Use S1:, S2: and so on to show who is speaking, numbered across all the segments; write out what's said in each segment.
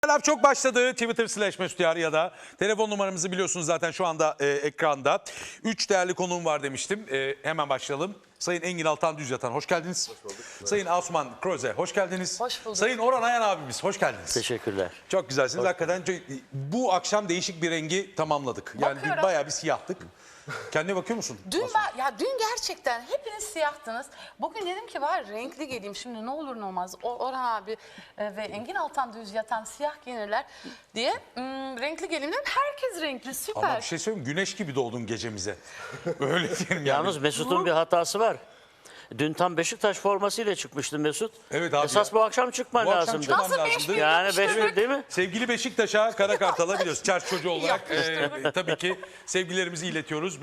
S1: Laf çok başladı. Twitter/Mesut ya da telefon numaramızı biliyorsunuz zaten şu anda ekranda. 3 değerli konuğum var demiştim. Hemen başlayalım. Sayın Engin Altan Düzyatan hoş geldiniz. Hoş bulduk. Sayın Asuman Kroze hoş geldiniz.
S2: Hoş bulduk.
S1: Sayın Orhan Ayan abimiz hoş geldiniz.
S3: Teşekkürler.
S1: Çok güzelsiniz. Hakikaten bu akşam değişik bir rengi tamamladık. Yani
S2: Bakıyorum.
S1: bayağı bir siyahtık. Kendine bakıyor musun?
S2: Dün gerçekten hepiniz siyahtınız. Bugün dedim ki var renkli geleyim şimdi ne olur ne olmaz. Orhan abi ve Engin Altan Düzyatan siyah giyinirler diye renkli geleyim dedim. Herkes renkli süper.
S1: Ama bir şey söyleyeyim güneş gibi doğdun gecemize. Öyle diyelim yani.
S3: Yalnız Mesut'un bir hatası var. Dün tam Beşiktaş formasıyla çıkmıştı Mesut.
S1: Evet abi
S3: Esas
S1: ya.
S3: bu akşam çıkman
S1: Bu akşam
S3: lazımdı.
S1: çıkmam
S2: Nasıl
S1: lazımdı.
S2: 5.000
S3: Yani
S2: işte
S3: 5-1 değil mi?
S1: Sevgili Beşiktaş'a, Kara Kartal'a biliyoruz. Çers çocuğu olarak
S2: Yapmıştır.
S1: tabii ki sevgilerimizi iletiyoruz.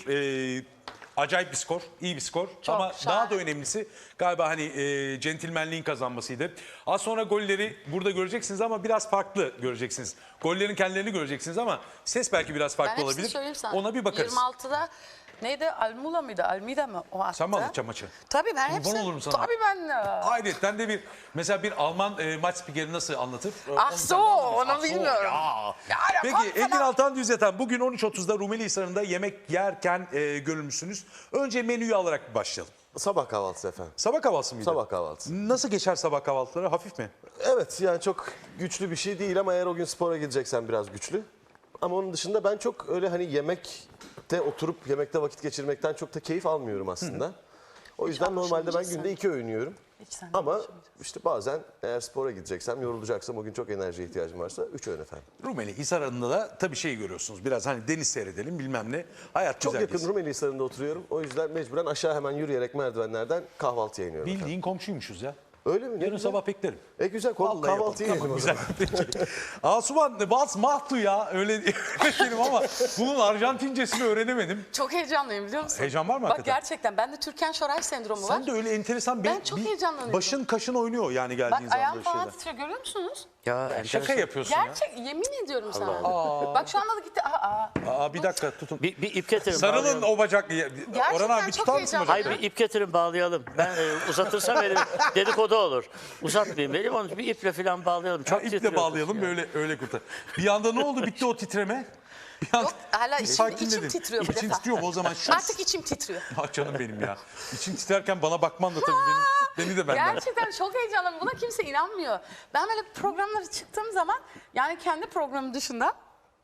S1: 5-1 acayip bir skor, iyi bir skor.
S2: Çok
S1: Ama
S2: şahane.
S1: daha da önemlisi galiba hani centilmenliğin kazanmasıydı. Az sonra golleri burada göreceksiniz ama biraz farklı göreceksiniz. Gollerin kendilerini göreceksiniz ama ses belki biraz
S2: Ben
S1: farklı
S2: hepsini
S1: olabilir.
S2: söyleyeyim sana.
S1: Ona bir bakarız.
S2: 26'da neydi? Almula mıydı? Almida mı? O attı.
S1: Sen mi alacaksın maçı?
S2: Tabii ben
S1: Kurban
S2: hepsini.
S1: olurum sana.
S2: Tabii ben.
S1: Ayrıca de mesela bir Alman maç spikeri nasıl anlatır?
S2: Ah
S1: Onu
S2: so,
S1: senden alırız.
S2: onu
S1: Ah so,
S2: bilmiyorum.
S1: ya.
S2: Ya,
S1: Peki
S2: falan.
S1: Engin Altan Düzyatan bugün 13.30'da Rumeli Hisarı'nda yemek yerken görülmüşsünüz. Önce menüyü alarak bir başlayalım.
S4: Sabah kahvaltısı efendim.
S1: Sabah kahvaltısı mıydı?
S4: Sabah kahvaltısı.
S1: Nasıl geçer sabah kahvaltıları? Hafif mi?
S4: Evet yani çok güçlü bir şey değil ama eğer o gün spora gideceksen biraz güçlü. Ama onun dışında ben çok öyle hani yemekte oturup yemekte vakit geçirmekten çok da keyif almıyorum aslında. O yüzden normalde ben
S2: alışamayacaksın.
S4: günde 2 öğün yiyorum.
S2: Hiç sen de
S4: Ama
S2: alışamayacaksın.
S4: işte bazen eğer spora gideceksem, yorulacaksam, o gün çok enerjiye ihtiyacım varsa 3 öğün efendim.
S1: Rumeli Hisarı'nda da tabii şey görüyorsunuz. Biraz hani deniz seyredelim bilmem ne. Hayat
S4: Çok
S1: güzel
S4: yakın
S1: geçsin.
S4: Rumeli Hisarı'nda oturuyorum. O yüzden mecburen aşağı hemen yürüyerek merdivenlerden kahvaltıya iniyorum efendim.
S1: Bildiğin komşuymuşuz ya.
S4: Öyle mi? Ne
S1: Yarın
S4: güzel.
S1: sabah beklerim.
S4: Güzel
S1: Vallahi
S4: kahvaltı
S1: yapalım.
S4: yiyelim
S1: Tamam,
S4: o
S1: güzel.
S4: zaman.
S1: Peki. Asuman Bas Mahtu ya öyle diyelim ama bunun Arjantincesini öğrenemedim.
S2: Çok heyecanlıyım biliyor musun?
S1: Heyecan var mı
S2: Bak
S1: hakikaten?
S2: gerçekten bende Türkan-Şoray sendromu var.
S1: Sen de öyle enteresan
S2: Ben çok heyecanlanıyorum.
S1: başın kaşın oynuyor yani geldiğin
S2: Bak
S1: zaman
S2: ayağım
S1: böyle
S2: falan
S1: şeyler.
S2: titriyor görüyor musunuz?
S3: Ya
S1: Şaka
S3: enteresan.
S1: yapıyorsun ya.
S2: Gerçek yemin ediyorum sana.
S3: Allah.
S2: Bak şu anda da gitti.
S1: Aa, bir dakika tutun.
S3: Bir ip getirin
S1: Sarılın
S3: bağlayalım.
S1: o bacak. Orhan abi
S2: çok
S1: tutar mısın
S2: heyecanlı.
S1: bacakları?
S3: Hayır bir ip getirin bağlayalım. Ben uzatırsam elim dedikodu olur. Uzatmayayım elim onu bir iple falan bağlayalım. Çok
S1: İple
S3: titriyor
S1: bağlayalım
S3: ya.
S1: böyle öyle kurtar. Bir anda ne oldu bitti o titreme? Bir anda
S2: Yok, hala
S1: bir
S2: içim
S1: sakinledin.
S2: titriyor bu
S1: İçin
S2: defa.
S1: titriyor mu o zaman? Şu...
S2: Artık içim titriyor.
S1: Ah canım benim ya. İçin titrerken bana bakman da tabii beni de benden.
S2: Gerçekten çok heyecanlıyım. Buna kimse inanmıyor. Ben böyle programlara çıktığım zaman yani kendi programım dışında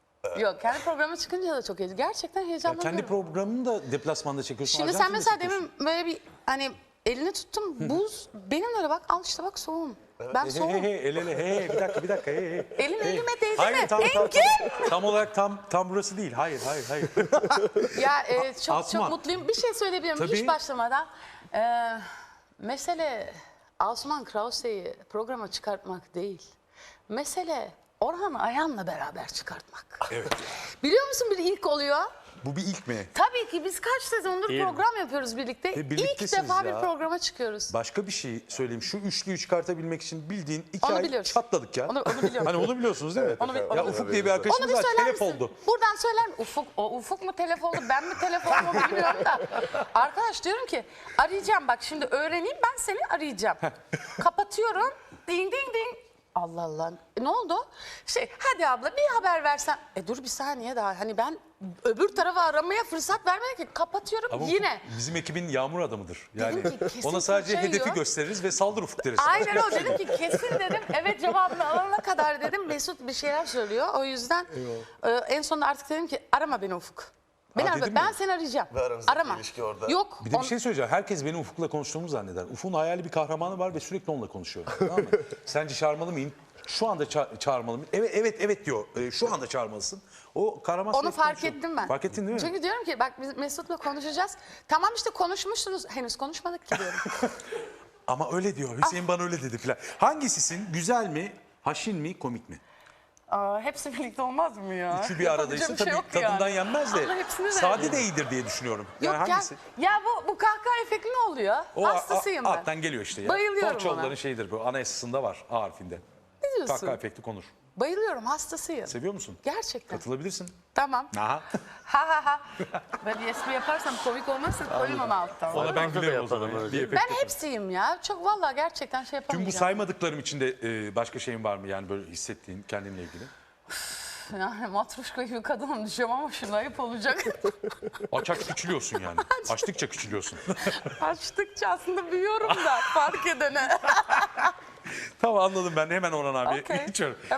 S2: yok kendi programa çıkınca da çok heyecanlı. Gerçekten
S1: Ya
S2: heyecanlanıyorum.
S1: kendi programını da deplasmanda çekiyorsun.
S2: Şimdi sen
S1: Arjantin'de
S2: mesela
S1: çekiyorsun.
S2: demin böyle bir hani elini tuttum buz. Benim öyle bak al işte bak soğuğum. Ben
S1: He
S2: soğuğum.
S1: he el ele he bir dakika he.
S2: Elim elime değdi
S1: Hayır
S2: mi?
S1: tam
S2: Engin!
S1: tam olarak tam burası değil. Hayır.
S2: Ya çok
S1: Asuman.
S2: mutluyum. Bir şey söyleyebilirim
S1: Tabii.
S2: hiç başlamadan. Mesele Asuman Krause'yi programa çıkartmak değil. Mesele Orhan Ayan'la beraber çıkartmak.
S1: Evet.
S2: Biliyor musun bir ilk oluyor?
S1: Bu bir ilk mi?
S2: Tabii ki biz kaç sezondur
S3: Değil mi?
S2: program yapıyoruz birlikte. İlk
S1: birliktesiniz
S2: defa
S1: ya.
S2: bir programa çıkıyoruz.
S1: Başka bir şey söyleyeyim. Şu üçlüyü çıkartabilmek için bildiğin 2
S2: Onu
S1: ay
S2: biliyoruz.
S1: çatladık ya.
S2: Onu biliyorum.
S1: Hani onu biliyorsunuz değil mi?
S2: Onu
S1: Ya Ufuk diye bir arkadaşımız
S2: Onu bir
S1: var.
S2: söyler
S1: Telef
S2: misin?
S1: oldu.
S2: Buradan söyler misin? Ufuk mu telef oldu, ben mi telef oldum onu bilmiyorum da. Arkadaş diyorum ki arayacağım bak şimdi öğreneyim ben seni arayacağım. Kapatıyorum. Ding ding ding. Allah Allah. Ne oldu? Hadi abla bir haber versen. Dur bir saniye daha. Hani ben öbür tarafa aramaya fırsat vermedim ki. Kapatıyorum
S1: Ama
S2: yine.
S1: Ufuk bizim ekibin yağmur adamıdır. Yani
S2: Dedim ki, kesin
S1: ona sadece
S2: fırça
S1: hedefi
S2: yiyor.
S1: gösteririz ve saldır Ufuk deriz.
S2: Aynen o dedim ki kesin dedim. Evet cevabını alana kadar dedim Mesut bir şeyler söylüyor. O yüzden en sonunda artık dedim ki arama beni Ufuk. Beni arama.
S1: dedin
S2: Ben
S1: mi?
S2: seni arayacağım.
S4: Ve aranızdaki
S2: Arama.
S4: ilişki orada.
S2: Yok.
S1: Bir de bir şey söyleyeceğim. Herkes benim Ufuk'la konuştuğumu zanneder. Ufuk'un hayali bir kahramanı var ve sürekli onunla konuşuyor. Tamam mı? Sence çağırmalı mıyım? Şu anda çağırmalı mıyım? Evet diyor. Şu anda çağırmalısın. O kahraman
S2: Onu
S1: sürekli
S2: fark
S1: konuşuyor.
S2: ettim ben.
S1: Fark ettin değil mi?
S2: Çünkü diyorum ki bak biz Mesut'la konuşacağız. Tamam işte konuşmuşsunuz. Henüz konuşmadık ki diyorum.
S1: Ama öyle diyor. Hüseyin bana öyle dedi falan. Hangisisin? Güzel mi? Haşin mi? Komik mi?
S2: Hepsi birlikte olmaz mı ya?
S1: Üçü bir aradaysa
S2: Yapabileceğim bir şey
S1: tabii
S2: yok
S1: tadından
S2: yani.
S1: yenmez de.
S2: Allah hepsini
S1: Sade
S2: verdi.
S1: de iyidir diye düşünüyorum.
S2: Yok
S1: Yani hangisi?
S2: ya bu kahkaha efekti ne oluyor?
S1: O
S2: Hastasıyım ben.
S1: alttan geliyor işte ya.
S2: Bayılıyorum
S1: Torçoğulların
S2: ona.
S1: şeyidir bu. Anayasasında var A harfinde.
S2: Ne diyorsun?
S1: Kahkaha efekti konur.
S2: Bayılıyorum, hastasıyım.
S1: Seviyor musun?
S2: Gerçekten.
S1: Katılabilirsin.
S2: Tamam.
S1: Aha.
S2: Ha ha ha. Böyle espri yaparsam komik olmazsa koymam alttan.
S1: Ona ben
S3: Orada da
S1: gülerim o zaman.
S3: yapalım öyle.
S1: Bir efekt
S2: Ben
S1: yaparım.
S2: hepsiyim ya. Çok vallahi gerçekten şey
S1: Tüm bu
S2: yapamayacağım.
S1: saymadıklarım içinde başka şeyin var mı yani böyle hissettiğin kendinle ilgili?
S2: Yani matruşka gibi kadınım diyeceğim ama şimdi ayıp olacak.
S1: Aç küçülüyorsun yani. Açtıkça küçülüyorsun.
S2: Açtıkça aslında büyüyorum da fark edene.
S1: Tamam anladım ben. Hemen Orhan abi
S2: Okey.
S1: geçiyorum.